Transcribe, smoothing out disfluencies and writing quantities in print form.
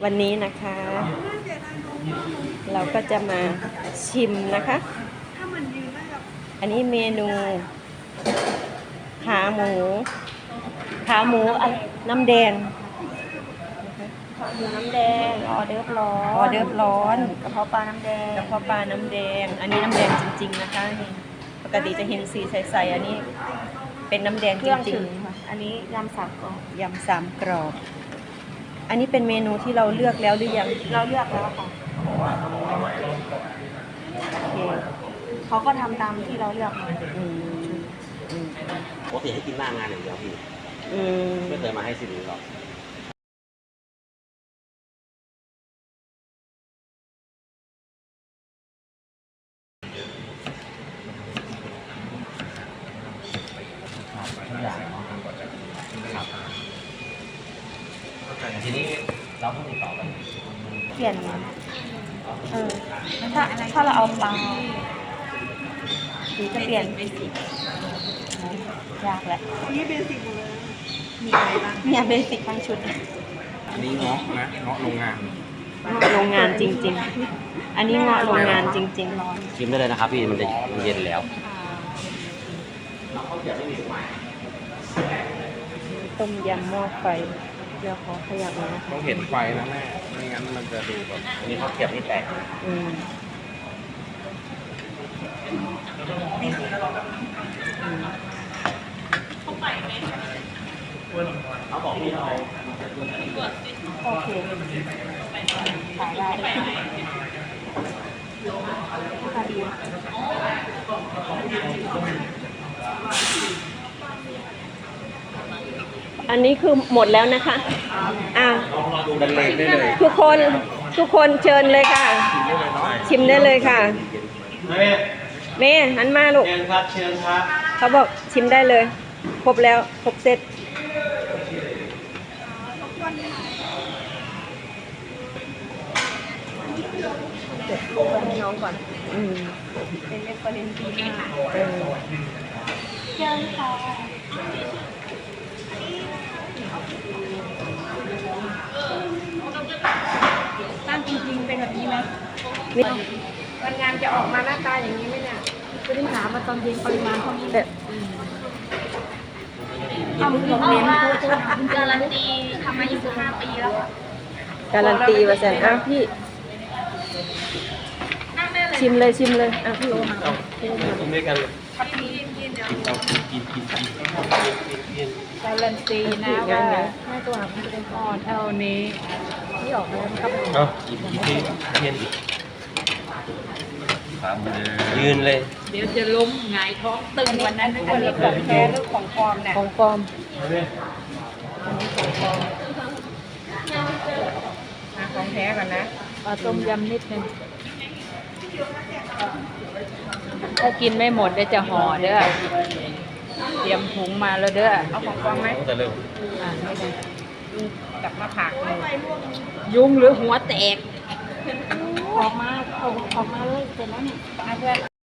วันนี้นะคะ เราก็จะมาชิมนะคะ อันนี้เมนูขาหมูน้ำแดงน้ำแดงออเดิร์ฟร้อนกระเพาะปลาน้ำแดงอันนี้น้ำแดงจริงๆนะคะนี่ปกติจะเห็นสีใสๆอันนี้เป็นน้ำแดงจริงๆอันนี้ยำสามกรอบอันนี้เป็นเมนูที่เราเลือกแล้วหรือยังเราเลือกแล้วค่ะโอเคเขาก็ทำตามที่เราเลือกมาปกติให้กินหน้างานอย่างเดียวพี่ไม่เคยมาให้สิริหรอกทีนี้เราต้องติดต่อกันเปลี่ยนถ้าเราเอาปลาจะเปลี่ยนยากแหละนี่เบสิกหมดเลยมีอะไรบ้างเนี่ยเบสิกทั้งชุดอันนี้เงาะนะเงาะโรงงานจริงๆอันนี้เงาะโรงงานจริงๆร้อนชิมได้เลยนะครับพี่มันเย็นแล้วต้มยำหม้อไฟเดี๋ยวขอขยับนะต้องเห็นไฟนะแม่ไม่งั้นมันจะดูแบบอันนี้เขาเก็บนี่แตกเขาบอกพี่เราโอเคขายได้ค่ะดีอันนี้คือหมดแล้วนะคะบรรเลงได้เลยทุกคนเชิญเลยค่ะชิมได้เลยค่ะเมย์หันมาลูกเชิญครับเขาบอกชิมได้เลยครบแล้วครบเซตให้น้องก่อนเป็นเรฟเฟอเรนซ์ดีมากเชิญค่ะตั้งจริงๆเป็นแบบนี้ไหมวันงานจะออกมาหน้าตาอย่างนี้ไหมเนี่ยจะได้ถามมาตอนเย็นปริมาณเท่านี้ต้องมีคอมเมนต์การันตีทำมา25 ปีแล้วการันตีว่าแสนพี่ชิมเลยพี่โอมากินด้วยกันเลยการันตีนะว่าแม่ตัวหาคุณเป็นอ่อนเอานี้ที่ออกมาแล้วครับอีกทีเทียนอีกยืนเลยเดี๋ยวจะล้มหงายท้องตึงวันนั้นอันนี้ของแท้หรือของปลอมเนี่ยของปลอมของแท้ก่อนนะต้มยำนิดนึงถ้ากินไม่หมดเดี๋ยวจะห่อเด้อเตรียมถุงมาแล้วเด้อเอาของปลอมไหมจะเริ่มไม่ได้กลับมาผักยุงหรือหัวแตกออกมาเลยเสร็จแล้วเนี่ยเพื่อน